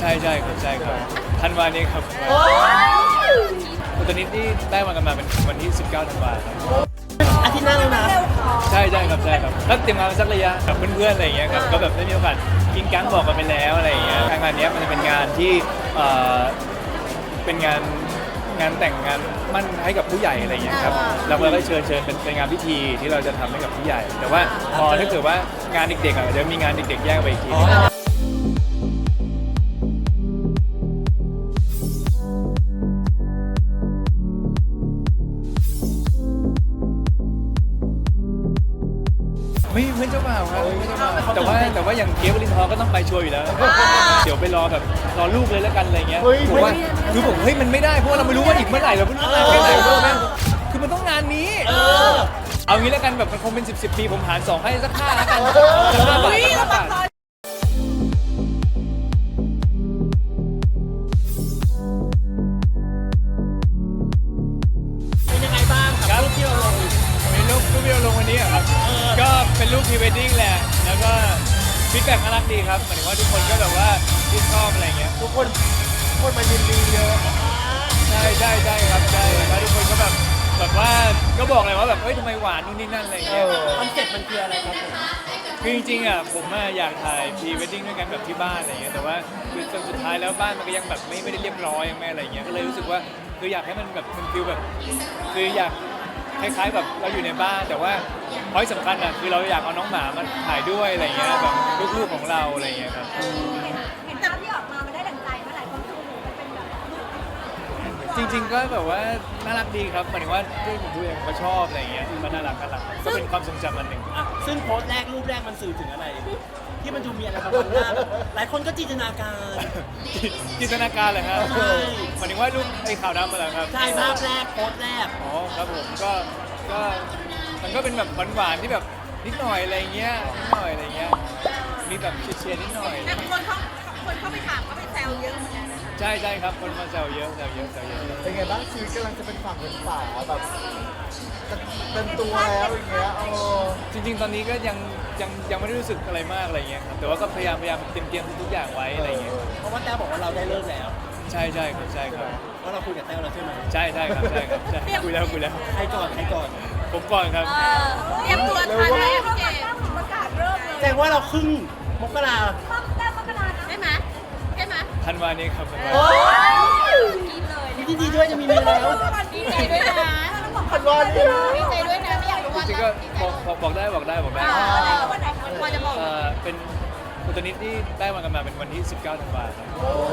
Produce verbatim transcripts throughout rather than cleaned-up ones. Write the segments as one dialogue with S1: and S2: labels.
S1: ช่ใช่ครับใช่ครับธันวานี้ครับตอนนี้ที่ได้มากันมาเป็นวันที่สิบเก้าธันวาครับ
S2: อาทิตย์หน้าแล้วนะ
S1: ใช่ใช่ครับใช่ครับก็เตรียมงานมาสักระยะกับเพื่อนๆอะไรอย่างเงี้ยครับก็แบบได้มีโอกาสกินกั๊งบอกกันไปแล้วอะไรอย่างเงี้ยงานนี้มันจะเป็นงานที่เอ่อเป็นงานงานแต่งงานมั่นให้กับผู้ใหญ่อะไรอย่างเงี้ยครับเราก็ได้เชิญเชิญเป็นเป็นงานพิธีที่เราจะทำให้กับผู้ใหญ่ แต่ว่าพอถ้าเกิดว่างานเด็กๆอ่ะเดี๋ยวมีงานเด็กๆแยกไปอีกทีไม่เพื่อนเจ้าบ่าวครับไม่เจ้าบ่าวแต่ว่าแต่ว่าอย่างเกฟวลินทร์ก็ต้องไปชัวร์อยู่แล้วเดี๋ยวไปรอแบบรอลูกเลยแล้วกันอะไรเงี้ยผมว่าคือผมเฮ้ยมันไม่ได้เพราะว่าเราไม่รู้ว่าอีกเมื่อไหร่เราไม่รู้นานแค่ไหนด้วยแม่คือมันต้องงานนี้เอางี้แล้วกันแบบมันคงเป็นสิบสิบปีผมหารสองให้สักห้าแล้วกันสักห้าบาทสักห้าบาท
S2: เป็นยังไงบ้างกับรูปที่เราลง
S1: มีรูปรูปที่เราลงวันนี้ครับก็เป็นรูปพรีเวดดิ้งแหละแล้วก็ฟีดแบ็กน่ารักดีครับหมายถึงว่าทุกคนก็แบบว่าชื่นชอบอะไรเงี้ยทุกคนคนมายินดีเยอะใช่ใช่ใช่ครับใช่แล้วทุกคนก็แบบแบบว่าก็บอกเลยว่าแบบเฮ้ยทำไมหวานนู่นนี่นั่นอะไรเงี้ย
S2: คอนเซ็ปต์มันคืออะไรครับผม
S1: คือจริงๆอ่ะผมอยากถ่ายพรีเวดดิ้งด้วยกันแบบที่บ้านอะไรเงี้ยแต่ว่าคือจนสุดท้ายแล้วบ้านมันก็ยังแบบไม่ไม่ได้เรียบร้อยยังไม่อะไรเงี้ยก็เลยรู้สึกว่าคืออยากให้มันแบบมันฟีลแบบคืออยากคล้ายๆแบบเราอยู่ในบ้านแต่ว่าพอยสำคัญอ่ะคือเราอยากเอาน้องหมามาถ่ายด้วยอะไรเงี้ยแบบลูกๆของเราอะไรเงี้ยครับ
S3: เห็นภาพที่ออกมามันได้ดั่งใจเมื่อไหร่คนดูมันเป็นแบบ
S1: จริงๆก็แบบว่าน่ารักดีครับหมายถึงว่าด้วยผมดูเองก็ชอบอะไรเงี้ยมันน่ารักน่ารักก็เป็นความทรงจำอันหนึ่ง
S2: ซึ่งโพสต์แรกรูปแรกมันสื่อถึงอะไรที่มันดูมีอะไรบางอย่างหลายคนก็จินตนาการ
S1: จินตนาการเลยครับหมายถึงว่ารูปไอ้ขาวดำมาแล้วครับ
S2: ใช่ภาพแรกโพสต์แรก
S1: อ๋อครับผมก็ก็มันก็เป็นแบบหวานๆที่แบบนิดหน่อยอะไรเงี้ยนิดหน่อยอะไรเงี้ยมีแบบเชียร์นิดหน่อย
S3: แต่คนเขาคนเข้าไปถามเขาไปแซวเยอะเหมือนกัน
S1: ใช่ใช่ครับคนมาแซวเยอะแซวเยอะแซวเยอะ
S4: เป็นไงบ้างชีวิตกำลังจะเป็นฝั่งเป็นฝาแบบจะเป็นตัวแล้วอย่างเงี้ยเออ
S1: จริงๆตอนนี้ก็ยังยังยังไม่ได้รู้สึกอะไรมากอะไรเงี้ยครับแต่ว่าก็พยายามพยายามเตรียมเตรียมทุกอย่างไว้อะไรเงี้ย
S2: เพราะว่าแต้วบอกว่าเราได้เลิกแล้ว
S1: ใช่ใช่ครับใช่ครับ
S2: เพราะเราคุยกับแต้วแล้วใช่ไหม
S1: ใช่ใช่ครับใช่ครับใช่คุยแล้วคุยแล้ว
S2: ใครก่อนใครก่อน
S1: ผมก่อนครับ
S3: เตรียมตัวทันไหมพี่เกมประกาศเริ่มเลย
S2: แสดงว่าเราครึ่งมกรา
S3: แต้มมกราได้ไหมได้ไหม
S1: ธันวานี้ครับธันวา
S2: ดีดีด้วยจะมีเมียแล้ว
S3: ดีใจด้วยนะ
S4: พันวันนี้
S3: ดีใจด้วยนะไม่อยากรู้ว่า
S1: จริงๆก็บอกบอกได้บอกได้บอกได้
S3: วันไหนพอจะบอก
S1: เป็นตอนนี้ที่ได้มากันมาเป็นวันที่สิบเก้าธันวาครับ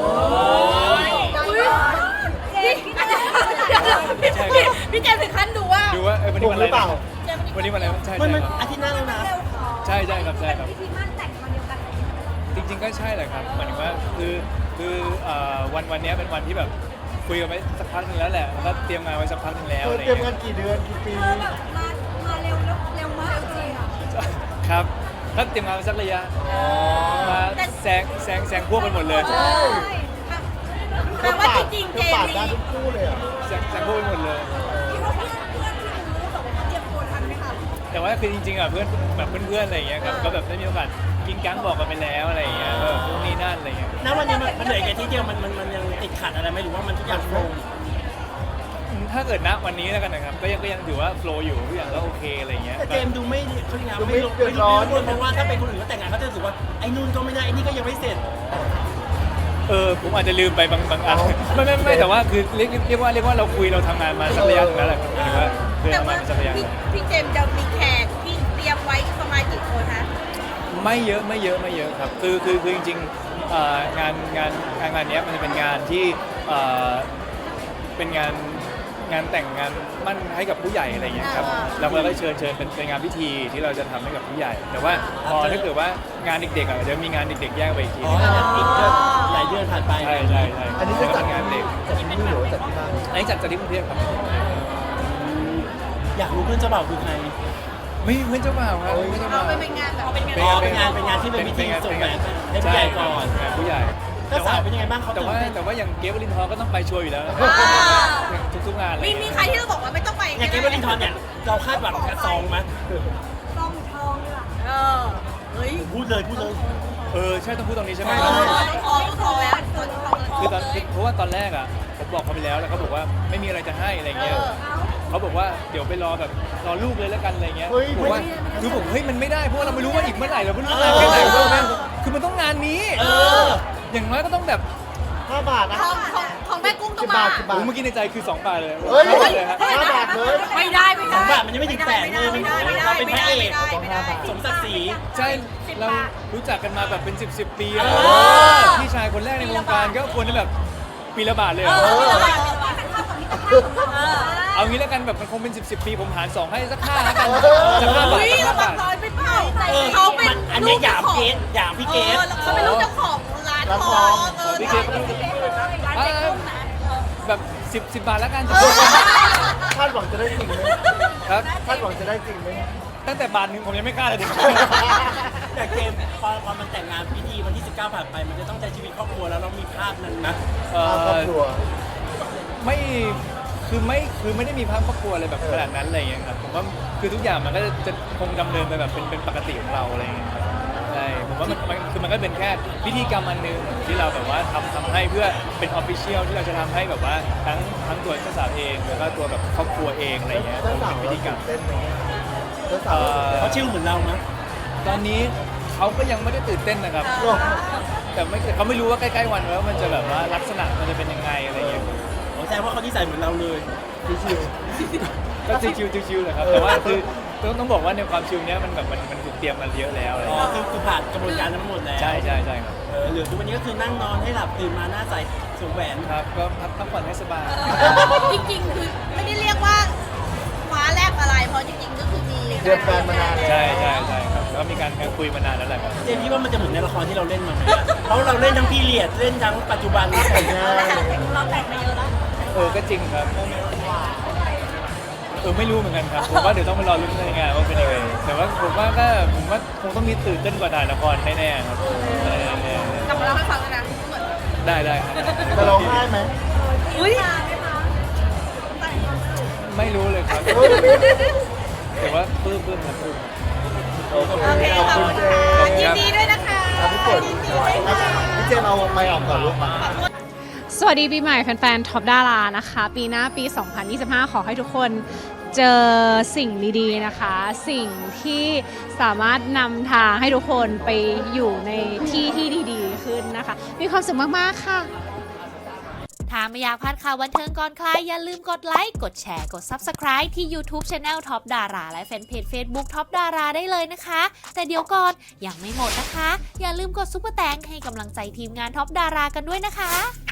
S3: พี่เจมถึงขั้นดูว่า
S1: ดูว่าวันนี้วันอะไรวันนี้วันอะไรใช่ใช่ครับ
S2: อาทิตย์หน้าแล้วนะ
S1: ใช่ใช่ครับใช่ครับ
S3: พิธีมั่นแต่งวันเดียวกัน
S1: จริงๆก็ใช่แหละครับหมายถึงว่าคือคือวันวันนี้เป็นวันที่แบบคุยกันไว้สักพักนึงแล้วแหละแล้วก็เตรียมงานไว้สักพักนึงแล้วอะไร
S4: เตรียมงานกี่เดือนกี่ปี
S3: แบบมามาเร็วเร็วมากเลยอ่ะ
S1: ครับถ้าเตรียมงานไว้สักระยะมาแซงแซงแซงพวกกันหมดเลย
S3: แต่ว่าจริงๆเจม
S4: ส์ทุกคู่เลยอ่ะ
S1: แซงแซงพวกกันหมดเลยแต่ว่าคือจริงๆอ่ะเพื่อนแบบเพื่อนๆอะไรอย่างเงี้ยครับก็แบบได้มีโอกาสกินกั๊งบอกกันไปแล้วอะไรอย่างเงี้ยแบบพวกนี้นั่นอะไรอย่างเงี้ย
S2: ณวันนี้มันเหลือแค่ที่เดียวมันมันมันยังติดขัดอะไรไหมหรือว่ามันทุกอย่างโฟล์
S1: ถ้าเกิดณวันนี้แล้วกันนะครับก็ยังก็ยังถือว่าโฟล์อยู่ทุกอย่างก็โอเคอะไรเงี้ย
S2: แต่เจมดูไม่เขางานไม่ลงไม่ร้อนเพราะว่าถ้าเป็นคนอื่นก็แต่งงานเขาจะรู้สึกว่าไอ้นู่นก็ไม่ได้ไอ้นี่ก็ยังไม่เสร็จ
S1: เออผมอาจจะลืมไปบางบางอันไม่ไม่ไม่แต่ว่าคือเรียกเรียกว่าเรียกว่าเราคุยเราทำงานมาสักระยะนึงแล้วแหละครับถือว่าคือทำงานมาสักระยะ
S3: พี่เจมจะมีแขกที่เตรียมไว้ประมาณกี่คนคะ
S1: ไม่เยอะไม่เยอะไม่เยอะครับคือคือคือจริงๆงานงานงานงานนี้มันจะเป็นงานที่เป็นงานงานแต่งงานมั่นให้กับผู้ใหญ่อะไรเงี้ยครับเราก็ได้เชิญเชิญเป็นเป็นงานพิธีที่เราจะทำให้กับผู้ใหญ่แต่ว่าพอถ้าเกิดว่างานเด็กๆอ่ะเดี๋ยวมีงานเด็กๆแยกไปอีกที
S2: อีกเดือนหลายเดือนผ่านไป
S1: ใช่ใช่ใช่
S4: อันนี้จะจัดงานเด็กจัดที่นี่หรือจัดที่บ้าน
S1: อันนี้จัดจัดที่กรุงเทพครับ
S2: อยากรู้เพื่อนเจ้าบ่าวคือใคร
S1: ไม่เพื่อนเจ้าบ่าวครับ
S3: เพื่อนเจ้าบ่าวเป็นงานแบบเป็นง
S2: านเป็นงานเป็นงานที่เป็นพิธีส่งแหวนให้ผู้ใหญ่ก่อน
S1: ผู้ใหญ่
S2: แต่ว่าเป็นยังไงบ้างเขา
S1: แต่ว่าแต่ว่าอย่างเกฟวลินทร์ก็ต้องไปชัวร์อยู่แล้วทุกๆงานเลย
S3: มีมีใครที่เราบอกว่าไม่ต้องไป
S2: อย่างเกฟวลินทร์เนี่ยเราคาดหวังกับซองไหม
S3: ซองทองเลยเออเฮ้ย
S2: พูดเลยพูดเลย
S1: เออใช่ต้องพูดตรงนี้ใช่ไหม
S3: ทองทองแล้ว
S1: คือตอนคือเพราะว่าตอนแรกอ่ะผมบอกเขาไปแล้วแล้วเขาบอกว่าไม่มีอะไรจะให้อะไรเงี้ยเขาบอกว่าเดี๋ยวไปรอแบบรอลูกเลยแล้วกันอะไรเงี้ย
S4: เฮ้ย
S1: ผมว่าคือผมเฮ้ยมันไม่ได้เพราะว่าเราไม่รู้ว่าอีกเมื่อไหร่เราไม่รู้นานแค่ไหนเพราะว่าคือมันต้องงานนี้
S2: เออ
S1: อย่างน้อยก็ต้องแบบ
S4: ห้าบาทนะ
S3: ของของของแม่กุ้งต้อ
S4: สิ
S3: ง
S4: บบา
S3: มา
S4: ทสิบบาท
S1: โอ้เมื่อกี้ในใจคือสองบาทเลย
S4: เฮ้ย
S1: ห้าบาทเลยครับ
S4: ห้าบาทเลย
S3: ไม่ได้ไม่
S2: ส
S3: ได้
S2: องบาทมันยังไม่ถึงแสนเลยมันเราเป็นพระเอก
S3: ไม่ได้
S2: สมศักดิ์ศรี
S1: ใช่เรารู้จักกันมาแบบเป็นสิบสิบปีแล้ว
S2: เออ
S1: พี่ชายคนแรกในวงการก็ควรจะแบบปีละบาทเลย
S3: เอ
S1: เหรอ
S3: อเออ
S1: เอางี้แล้วกันแบบมันคงเป็นสิบสิบปีผมหารสองให้สักห้าแล้วกันสักห้าบาท
S3: อุ้ย
S1: สักห้า
S3: ระวั
S1: บาง ท
S3: น้อยไปเปล่า
S2: เออ
S3: เขาเป็น
S2: มันอันนี้หยามเกสหยามพี่เกส
S3: เขาเป็นลูกเจ้าของร้านทองเออ
S1: พี่เกส อ่าแบบสิบสิบบาทแล้วกัน
S4: คาดหวังจะได้จริงไหม
S1: ครับ
S4: คาดหวังจะได้จริงไหม
S1: ตั้งแต่บาทหนึงผมยังไม่กล้าเลย
S2: แต่เกมพอพอมันแต่งงานพิธีวันที่สิบเก้าผ่านไปมันจะต้องใช้ชีวิตครอบครัวแล้วเรามีภาพนั้นนะ
S1: เอ่
S4: ครอบ
S1: อ
S4: ครัว
S1: ไม่คือไม่คือไม่ได้มีภาพครอบครัวอะไรแบบขนาดนั้นอะไรอย่างเงี้ยครับผมว่าคือทุกอย่างมันก็จะจะคงดำเนินไปแบบเป็นเป็นปกติของเราอะไรอย่างเงี้ยครับใช่ผมว่ามันมันคือมันก็เป็นแค่พิธีกรรมอันหนึงที่เราแบบว่าทำทำให้เพื่อเป็นออฟฟิเชียลที่เราจะทำให้แบบว่าทั้งทั้งตัวเจ้าสาวเองแล้วก็ตัวแบบครอบครัวเองอะไรอย่างเงี้ย
S4: เจ้าสาว
S1: เป็นพิธีกรรม
S4: เต้นไหมเจ้าสาว
S2: เขาชิลเหมือนเรานะ
S1: ตอนนี้เขาก็ยังไม่ได้ตื่นเต้นนะครับ
S4: เต้นไหม
S1: แต่ไม่เขาไม่รู้ว่าใกล้ๆวันแล้วมันจะแบบว่าลักษณะมันจะเป็นยังไงอะไรอย่างเงี้ย
S2: โอ้แสดงว่าเขานิสัยเหมือนเราเลย
S4: ชิว
S1: ก็ชิวๆชิวๆแหละครับแต่ว่าคือต้องต้องบอกว่าในความชิวเนี้ยมันแบบมันมันถูกเตรียมมาเยอะแล้วอะไรอ
S2: อ๋
S1: ย่าง
S2: อ
S1: เงี้ย
S2: คือคือผ่านกระบวนการทั้งหมดแล้ว
S1: ใช่ใช่ใช่ครับ
S2: เออเหลือทุกวันนี้ก็คือนั่งนอนให้หลับตื่นมาหน้าใสสวมแหวน
S1: ครับก็พักพักผ่อนให้สบาย
S3: จริงๆคือไม่ได้เรียกว่าฟ้าแลบอะไรเพราะจริงๆก็คือมี
S4: ๆเตรียมการมานานแล้ว
S1: ใช่ใช่ใช่ครับแล้วก็มีการคุยมานานแล้วแหละครับ
S2: เจมส์คิดว่ามันจะเหมือนในละครที่เราเล่นมาไหมเพราะเราเล่นทั้งพีเรียดเล่นทั้งปัจจุบัน
S4: แต่งงาน
S3: เราแต่งมาเยอะแล้ว
S1: เออก็จริงครับเออไม่รู้เหมือนกันครับผมว่าเดี๋ยวต้องไปรอลุ้นในงานว่าเป็นยังไงแต่ว่าผมว่าก็ผมว่าคงต้องมีตื่นเต้นกว่าถ่ายละครแน่ๆครับเออเออก
S3: ลับมาเล่าให้ฟังเลยนะเหมือน
S1: ได้ได้ครับ
S4: จะร้องไห้ไหม
S3: อุ้ย
S1: ไม่รู้เลยครับ
S4: เฮ้ย
S1: แต่ว่าปลื้มปลื้มครับปลื้ม
S4: โอเค
S3: โอเค
S4: ขอบคุณเจม
S1: ขอบคุณ
S3: ยิน
S1: ครับ
S3: ดีด้วยนะคะ
S4: ครับพี่ฝนพี่เจมเอาไมค์ออกก่อนลูกมา
S5: สวัสดีปีใหม่แฟนๆท็อปดารานะคะ ปีหน้าปี สองพันยี่สิบห้า ขอให้ทุกคนเจอสิ่งดีๆนะคะ สิ่งที่สามารถนำทางให้ทุกคนไปอยู่ในที่ที่ดีๆขึ้นนะคะ มีความสุขมากๆค่ะ
S6: ถ้าไม่อยากพลาดข่าวบันเทิงก่อนใครอย่าลืมกดไลค์ กดแชร์ กด ซับสไครบ์ ที่ YouTube Channel Top Dara และแฟนเพจ Facebook Top Dara ได้เลยนะคะ แต่เดี๋ยวก่อนยังไม่หมดนะคะ อย่าลืมกดซุปเปอร์แตงให้กำลังใจทีมงาน Top Dara กันด้วยนะคะ